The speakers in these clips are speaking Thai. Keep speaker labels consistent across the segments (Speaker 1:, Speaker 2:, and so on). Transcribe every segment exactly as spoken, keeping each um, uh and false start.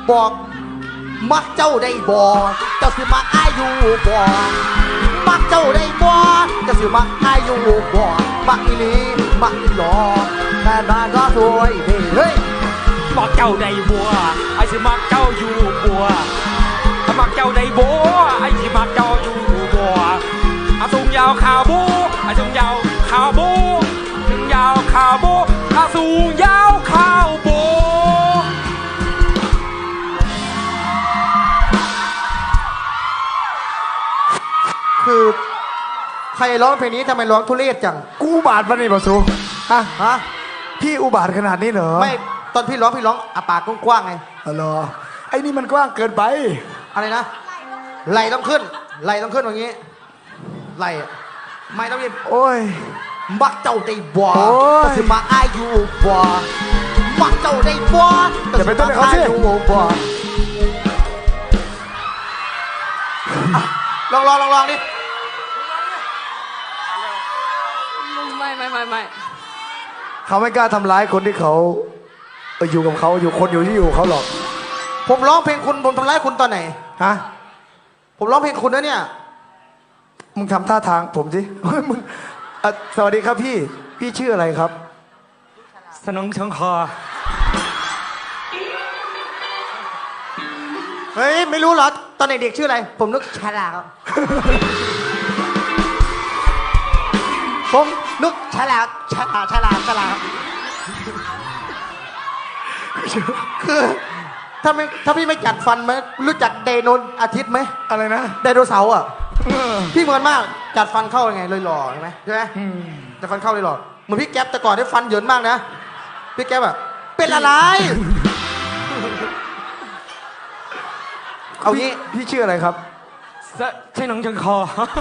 Speaker 1: บอกมักเจ้าได้บ่เจ้าสิมักอายอยู่บ่มักเจ้าได้บ่เจ้าสิมักอายอยู่บ่มักอีหลีมักอีหลอแต่บ้านก็สวยดีเฮ้ย
Speaker 2: มักเจ้าได้บัวไอ้สิมักเจ้าอยู่บัวมักเจ้าได้บัวไอ้สิมักเจ้าอยู่บัวอาสูงยาวขาวบูอาสูงยาวขาวบูสูงยาวขาวบูอาสูงยาวขาวบู
Speaker 1: คือใครร้องเพลงนี้ทำไมร้องทุเรศจัง
Speaker 3: กูอุบาทมันนี่บอสูฮะ
Speaker 1: ฮะ
Speaker 3: พี่อุบาทขนาดนี้เหรอ
Speaker 1: ไม่ตอนพี่ร้องพี่ร้องอาปากกว้างๆไง
Speaker 3: อ๋อเหรอไอ้นี่มันกว้างเกินไป
Speaker 1: อะไรนะไหลต้องขึ้นไหลต้องขึ้นอย่างนี้ไหลไม่ต้องยิน
Speaker 3: โอ้ย
Speaker 1: มักเจ้าได้บ่ก็สิมาอายุบ่มักเจ้าได้บ่ก็สิมาอายุบ่ลองลองลองลองดิ
Speaker 2: ไม่ไม่ไม่ไม่
Speaker 3: เขาไม่กล้าทำร้ายคนที่เขาอยู่กับเขาอยู่คนอยู่ที่อยู่เขาหรอก
Speaker 1: ผมร้องเพลงคุณผมทำร้ายคุณตอนไหน
Speaker 3: ฮะ
Speaker 1: ผมร้องเพลงคุณนะเนี่ย
Speaker 3: มึงทำท่าทางผมสิมึงสวัสดีครับพี่พี่ชื่ออะไรครับ
Speaker 2: สนองเชิงคอ
Speaker 1: เฮ้ยไม่รู้เหรอตอนเด็กๆชื่ออะไรผมนึกฉลาดผมนึกฉลาดฉลาดฉลาดฉลาดคือถ้าไม่ถ้าพี่ไม่จัดฟันไหมรู้จักไดโนอาทิตย์ไหม
Speaker 3: อะไรนะ
Speaker 1: ไดโนเสาร์อ่ะพี่เหมือนมากจัดฟันเข้ายังไงเลยหล่อใช่ไหมใช่ไหมจัดฟันเข้าเลยหล่อเหมือนพี่แก๊ปแต่ก่อนได้ฟันเหยินมากนะพี่แก๊ปแบบเป็นอะไรเอางี้
Speaker 3: พี่ชื่ออะไรครับ
Speaker 2: ใช่หนังเชิงคอ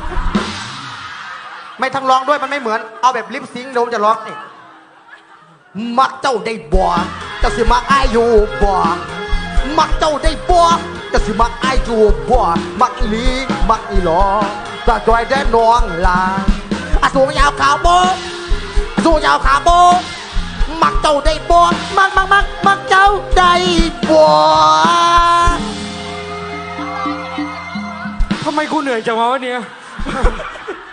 Speaker 1: ไม่ทั้งร้องด้วยมันไม่เหมือนเอาแบบลิปซิงค์เดี๋ยวจะร้องนี่มักเจ้าได้บ่จะสิมักอายอยู่บ่มักเจ้าได้บ่จะสิมักอายอยู่บ่มักอีหลีมักอีหลอตาจอยได้น้องลาอาสูงยาวขาวโบอาสูงยาวขาวโบมักเจ้าได้บ่มักมักมักมักเจ้าได้บ่
Speaker 2: ทำไมกูเหนื่อยจังวะวันนี้